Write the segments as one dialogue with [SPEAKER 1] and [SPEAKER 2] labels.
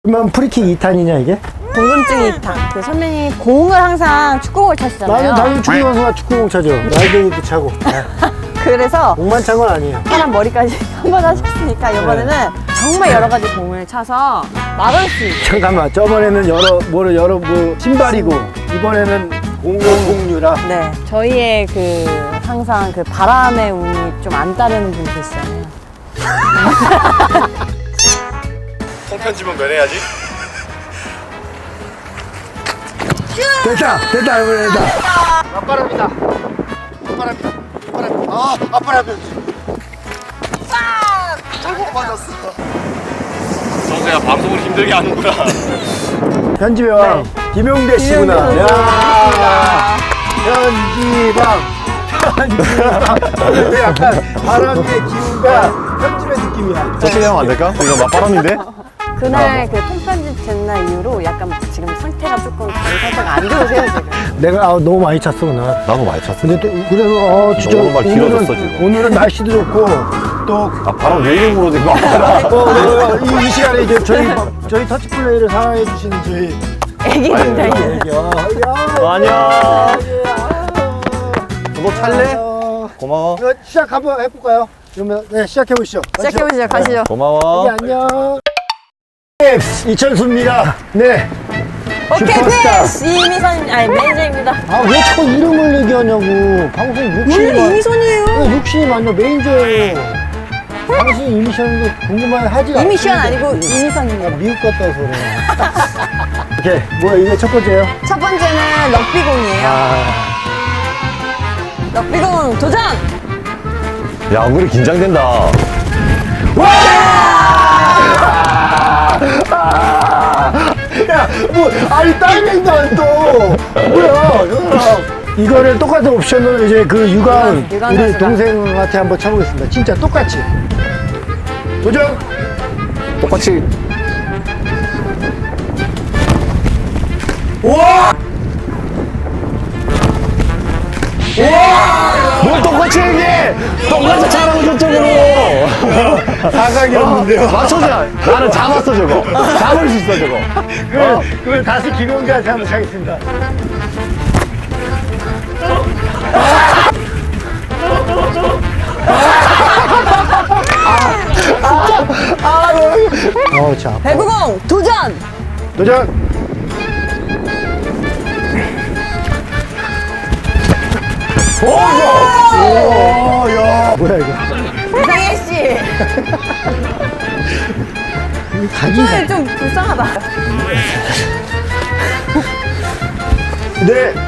[SPEAKER 1] 그러면 프리킥 2탄이냐 이게?
[SPEAKER 2] 궁금증이 2탄. 그 선배님 공을 항상 축구공을 차시잖아요.
[SPEAKER 1] 나는 당연히 축구 선수가 축구공 차죠. 날개도 차고.
[SPEAKER 2] 그래서
[SPEAKER 1] 공만 찬 건 아니에요.
[SPEAKER 2] 사람 머리까지 한 번 하셨으니까 이번에는 정말 여러 가지 공을 차서 막을 수 있게.
[SPEAKER 1] 잠깐만, 저번에는 뭐 신발이고 이번에는 공유라.
[SPEAKER 2] 네, 저희의 그 항상 그 바람의 운이 좀 안 따르는 분 계시잖아요.
[SPEAKER 3] 통편집은 면해야지.
[SPEAKER 1] 됐다, 이번에 됐다.
[SPEAKER 3] 앞바람이다. 아, 앞바람이. 잘못 맞았어. 선수야 방송을 힘들게 하는구나.
[SPEAKER 1] 편집의 왕 김용대 씨구나.
[SPEAKER 2] 김용대
[SPEAKER 1] 야, 편집왕. 약간 바람의 기운과 편집의 느낌이야.
[SPEAKER 3] 저쪽에 하면 안 될까? 이거 맞바람인데?
[SPEAKER 2] 그날 그 통편집 젠날 이후로 약간 지금 상태가 조금 다른 상태가 안 좋으세요 지금.
[SPEAKER 1] 내가 너무 많이 찼어 오늘.
[SPEAKER 3] 나도 많이 찼어.
[SPEAKER 1] 근데 또 그래서 진짜
[SPEAKER 3] 너무 막 길어졌어, 지금.
[SPEAKER 1] 오늘은 날씨도 좋고 또
[SPEAKER 3] 아, 바람 왜 이렇게 불어도 이거
[SPEAKER 1] 이 시간에 이제 저희 터치 플레이를 사랑해 주시는 저희
[SPEAKER 2] 애기입니다.
[SPEAKER 3] 안녕. 너 찰래? 고마워.
[SPEAKER 1] 시작 한번 해볼까요? 그러면 네 시작해 보시죠.
[SPEAKER 2] 시작해보시죠. 가시죠.
[SPEAKER 3] 고마워.
[SPEAKER 1] 안녕. 네, 이천수입니다. 네.
[SPEAKER 2] 오케이
[SPEAKER 1] 슈퍼스타.
[SPEAKER 2] 패스! 이미선 아니 매니저입니다.
[SPEAKER 1] 아 왜 자꾸 이름을 얘기하냐고. 방송 욕심이
[SPEAKER 2] 원래 이미선이에요.
[SPEAKER 1] 욕심이 많냐. 매니저예요. 당신 이미션도 궁금한 하지 않
[SPEAKER 2] 이미션 아니고 이미선입니다.
[SPEAKER 1] 미국 갔다 와서 그래. 오케이. 뭐야 이게 첫 번째예요?
[SPEAKER 2] 첫 번째는 럭비공이에요. 럭비공 도전!
[SPEAKER 3] 야, 우리 긴장된다.
[SPEAKER 1] 야, 뭐, 아니, 따이맨다, 또. 뭐야, 이거를 똑같은 옵션을 이제 그 유관,
[SPEAKER 2] 유관
[SPEAKER 1] 우리
[SPEAKER 2] 선수가.
[SPEAKER 1] 동생한테 한번 쳐보겠습니다. 진짜 똑같이. 도전!
[SPEAKER 3] 똑같이.
[SPEAKER 1] 우와!
[SPEAKER 3] 뭘 똑같이 얘기해! 똑같이 차라고 저쪽으로!
[SPEAKER 1] 사각이었는데요.
[SPEAKER 3] 맞춰줘! 나는 잡았어, 저거. 잡을 수 있어, 저거.
[SPEAKER 1] 그걸 다시 김용기한테 한번 차겠습니다. 자.
[SPEAKER 2] 배구공 도전!
[SPEAKER 1] 도전! 오, 야. 뭐야, 이거.
[SPEAKER 2] 이상해 씨.
[SPEAKER 1] 가기가.
[SPEAKER 2] 손이 좀 불쌍하다.
[SPEAKER 1] 네,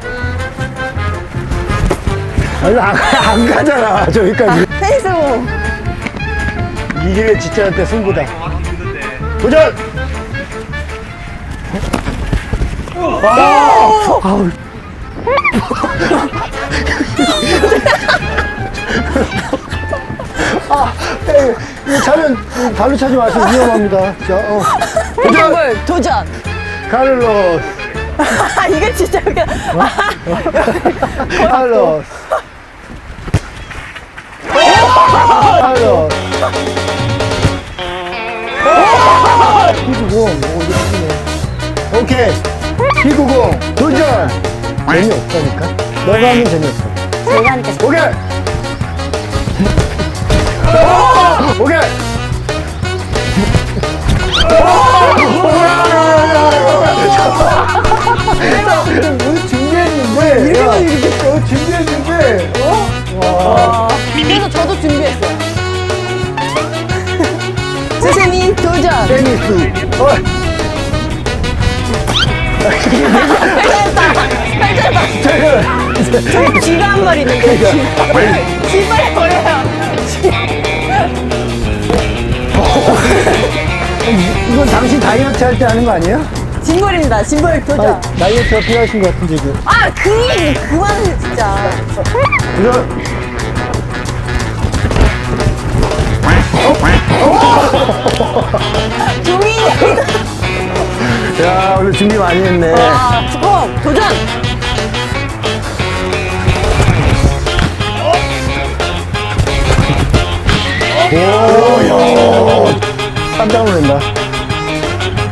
[SPEAKER 1] 아니, 안 가잖아, 저기까지.
[SPEAKER 2] 페이스공.
[SPEAKER 1] 이게 진짜한테 승부다. 도전! 아우. 이거 차면 발로 차지 마세요. 위험합니다. 자, 도전!
[SPEAKER 2] 볼 도전.
[SPEAKER 1] 카를로스.
[SPEAKER 2] 이거 진짜 웃겨.
[SPEAKER 1] 카를로스. 카를로스. 피구공. 이거 피구네. 오케이. 피구공. 도전! 재미없다니까? 너가 하면 재미없어.
[SPEAKER 2] 제가 하니까
[SPEAKER 1] 오케이! 오케이! 뭐 준비했는데? 이렇게 준비했는데? 와.
[SPEAKER 2] 그래서 저도 준비했어요. 스세미 도전.
[SPEAKER 1] 테니스.
[SPEAKER 2] 저기 쥐가 한 마리 있는데 쥐발 버려요.
[SPEAKER 1] 이건 당신 다이어트 할 때 하는 거 아니에요?
[SPEAKER 2] 짐벌입니다. 짐벌 도전.
[SPEAKER 1] 다이어트가 필요하신 것 같은데, 지금.
[SPEAKER 2] 그만해 진짜.
[SPEAKER 1] 도전!
[SPEAKER 2] 종이.
[SPEAKER 1] 야, 오늘 준비 많이 했네.
[SPEAKER 2] 축구 도전.
[SPEAKER 1] 오, 야. 깜짝 놀란다.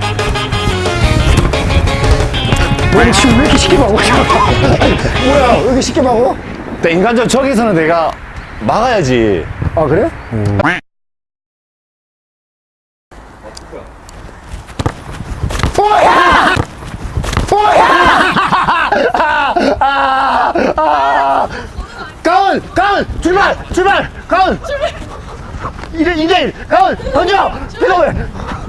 [SPEAKER 1] 아니, 지금 왜 이렇게 쉽게 막어? 뭐야, 왜 이렇게 쉽게 막어?
[SPEAKER 3] 근데 인간적으로 저기서는 내가 막아야지.
[SPEAKER 1] 아, 그래? 가운! 출발! 가운! 2대1! 가운! 던져! 피노왜